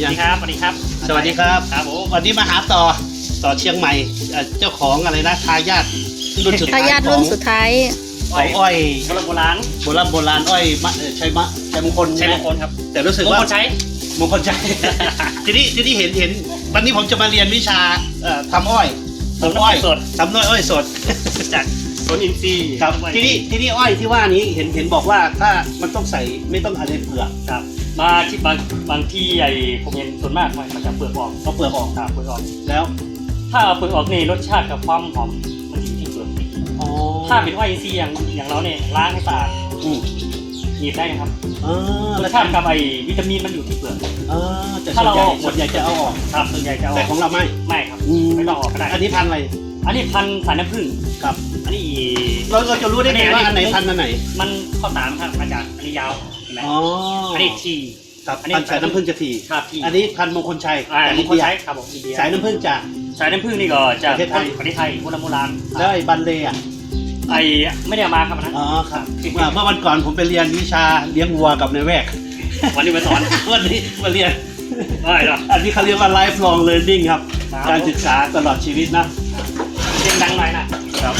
วัสดีครับสวัสดีครับสวัสดีครับครับผมวันนี้มาหาต่อเชียงใหม่เจ้าของอะไรนะทายาทรุ่นสุดท้ายรุ่นสุดท้ายของอ้อยโบราณอ้อยชัยมงคลใช่มงคลครับแต่รู้สึกว่ามงคลใช้ทีนี้เห็นวันนี้ผมจะมาเรียนวิชาทำอ้อยทำอ้อยสดจากสวนอินทรีย์ครับทีนี้อ้อยที่ว่านี้เห็นบอกว่าถ้ามันต้องใส่ไม่ต้องอะไรเปลือกครับมาที่บางที่ไอ้ผมเห็นส่วนมากมันจะเปลือกออกเอาเปลือกออกครับเปลือกออกแล้วถ้าเอาเปลือกออกนี่รสชาติกับความหอมมันอยู่ที่เปลือกถ้าเป็นอ้อยอินทรีย์อย่างเราเนี่ยล้างให้สะอาดหยิบได้นะครับรสชาติกับไอ้วิตามินมันอยู่ที่เปลือกแต่ถ้าเราส่วนใหญ่จะเอาออกครับส่วนใหญ่จะเอาแต่ของเราไม่ครับไม่ต้องออกก็ได้อันนี้พันอะไรอันนี้พันสายน้ำผึ้งครับอันนี้เราจะรู้ได้ไงว่าอันไหนพันอันไหนมันข้อสามครับอาจารย์อันนี้ยาวเห็นไหมอันนี้ทีครับพันสายน้ำผึ้งจะทีครับอันนี้พันมงคลชัยมงคลชัยครับผมสายน้ำผึ้งจากสายน้ำผึ้งนี่ก็จากประเทศไทยโบราณได้บันเลอ่ะไอไม่ได้มาครับนะครับเมื่อวันก่อนผมไปเรียนวิชาเลี้ยงวัวกับนายแวกวันนี้มาสอนวันนี้มาเรียนอันนี้เขาเรียกว่า lifelong learning ครับการศึกษาตลอดชีวิตนะเสียงดังหน่อยนะครับ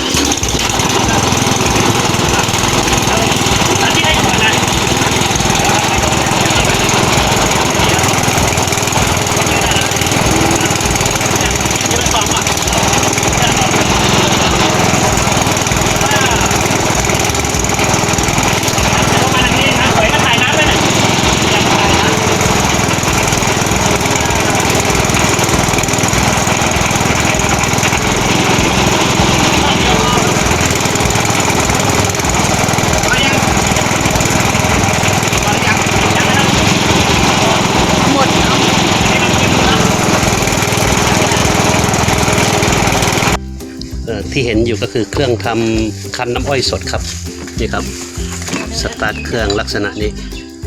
ที่ได้ก่อนนะที่เห็นอยู่ก็คือเครื่องทำคั้นน้ำอ้อยสดครับนี่ครับสตาร์ทเครื่องลักษณะนี้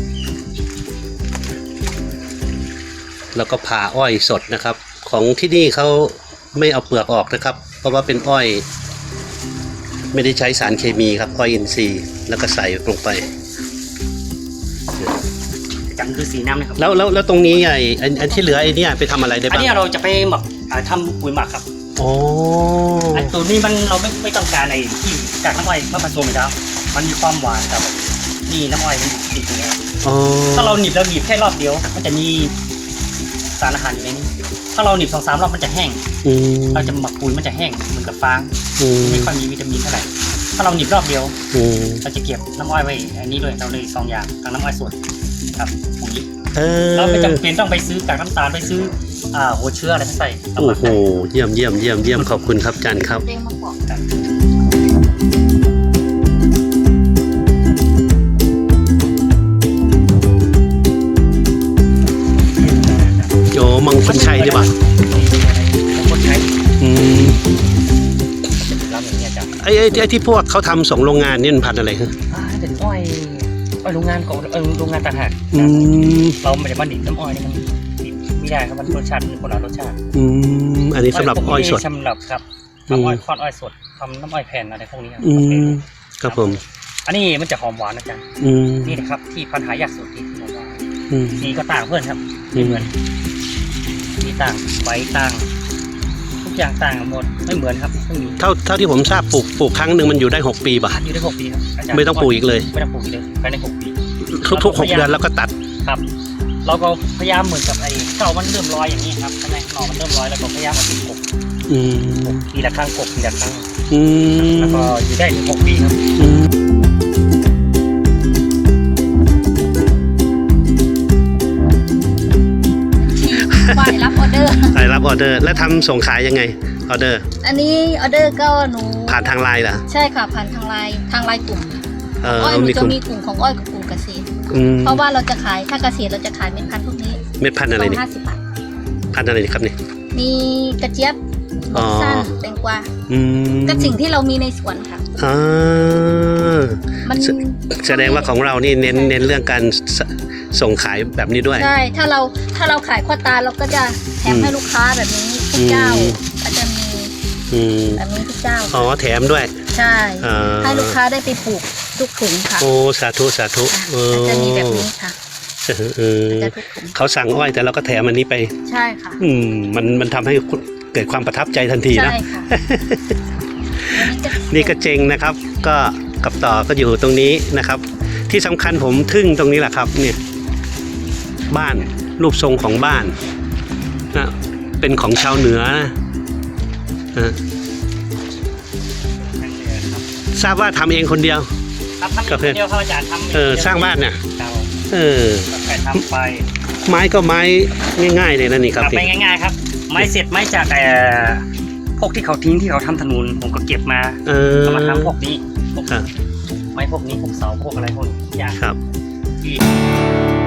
แล้วก็ผ่าอ้อยสดนะครับของที่นี่เขาไม่เอาเปลือกออกนะครับเพราะว่าเป็นอ้อยไม่ได้ใช้สารเคมีครับอ้อยอินทรีย์แล้วก็ใส่ลงไปจังคือสีน้ำนะครับแล้วตรงนี้ไอ้ที่เหลือไอ้นี่ไปทำอะไรได้บ้างอันนี้เราจะไปหมักทำปุ๋ยหมักครับโอ้ตัวนี้มันเราไม่ต้องการไอ้ที่จากน้ำอ้อยมาผสมอีกแล้วมันมีความหวานครับนี่น้ำอ้อยมันติดอยู่แล้วถ้าเราหนีบแค่รอบเดียวมันจะมีสารอาหารอยู่ในนี้ถ้าเราหนีบ2-3 รอบมันจะแห้งเราจะหมักปุ๋ยมันจะแห้งเหมือนกับฟางไม่ค่อยมีวิตามินเท่าไหร่ถ้าเราหนีบรอบเดียวเราจะเก็บน้ำอ้อยไว้อันนี้ด้วยเราเลย2 อย่างทั้งน้ำอ้อยสดครับปุ๋ยเราไม่จำเป็นต้องไปซื้อกากน้ำตาลไปซื้อหัวเชื้ออะไรใส่โอ้โหเยี่ยมขอบคุณครับจันครับโยมังคนชัยใช่ปะมังคนชัยรับอย่างนี้จ้ะไอ้ที่พวกเขาทำส่งโรงงานนี่มันพันอะไรฮะเป็นอ้อยโรงงานของโรงงานต่างหากเราไม่ได้มาดิบน้ำอ้อยนี่มันไม่ได้ครับมันรสชาติคนละรสชาติอันนี้สำหรับอ้อยสดสำหรับครับทำอ้อยคอนอ้อยสดทำน้ำอ้อยแผ่นอะไรพวกนี้ครับผมอันนี้มันจะหอมหวานนะจ๊ะนี่นะครับที่ปัญหายากสุดที่ผมว่าสีก็ต่างเพื่อนครับไม่เหมือนสีต่างใบต่างทุกอย่างต่างหมดไม่เหมือนครับเท่าที่ผมทราบปลูกครั้งหนึ่งมันอยู่ได้6 ปีป่ะอยู่ได้6 ปีครับไม่ต้องปลูกอีกเลยไม่ต้องปลูกอีกเลยภายใน6 ปีทุก6 เดือนแล้วก็ตัดครับเราก็พยายามเหมือนกับไอ้เก่ามันเริ่มลอยอย่างนี้ครับใช่ไหมหน่อมันเริ่มลอยแล้วก็พยายามเอาดินกบทีละครั้งทีละครั้งแล้วก็อยู่ได้ถึง6 ปีครับฝ่ายรับออเดอร์แล้วทำส่งขายยังไงออเดอร์อันนี้ออเดอร์ก็หนูผ่านทางไลน์เหรอใช่ค่ะผ่านทางไลน์กลุ่มอ้อยมันจะมีกลุ่มของอ้อยกับกลุ่มเกษตรเพราะว่าเราจะขายถ้าเกษตรเราจะขายเม็ดพันธุ์พวกนี้เม็ดพันธุ์อะไรนี่ 50 บาทพันธุ์อะไรนี่ครับนี่มีกระเจี๊ยบสั้นแตงกวาก็สิ่งที่เรามีในสวนค่ะมันแสดงว่าของเรานี่เน้นเรื่องการส่งขายแบบนี้ด้วยใช่ถ้าเราขายข้อตาเราก็จะแถมให้ลูกค้าแบบนี้ทุกเจ้าก็จะมีแบบนี้ทุกเจ้าแถมด้วยใช่ให้ลูกค้าได้ไปปลูกทุกถุงค่ะโอ้สาธุจะมีแบบนี้ค่ะจะทุกถุงเขาสั่งอ้อยแต่เราก็แถมอันนี้ไปใช่ค่ะมันทำให้เกิดความประทับใจทันทีนะใช่ค่ะอันนี้จะนี่ก็เจงนะครับ ก็กับต่อก็อยู่ตรงนี้นะครับ ที่สำคัญผมทึ่งตรงนี้แหละครับเนี่ยบ้านรูปทรงของบ้านนะเป็นของชาวเหนือนะนั่นเลยครับทราบว่าทำเองคนเดียวครับทำคนเดียวครับอาจารย์ทำสร้างบ้านเนี่ยเรา ไปทำไปไม้ก็ไม้ง่ายๆเลยนะนี่ครับไปง่ายๆครับ ไม้เสร็จไม้จากพวกที่เขาทิ้งที่เขาทำถนนผมก็เก็บมาเอามาทำพวกนี้พวกครับไม้พวกนี้พวกเสาพวกอะไรพวกอย่างครับที่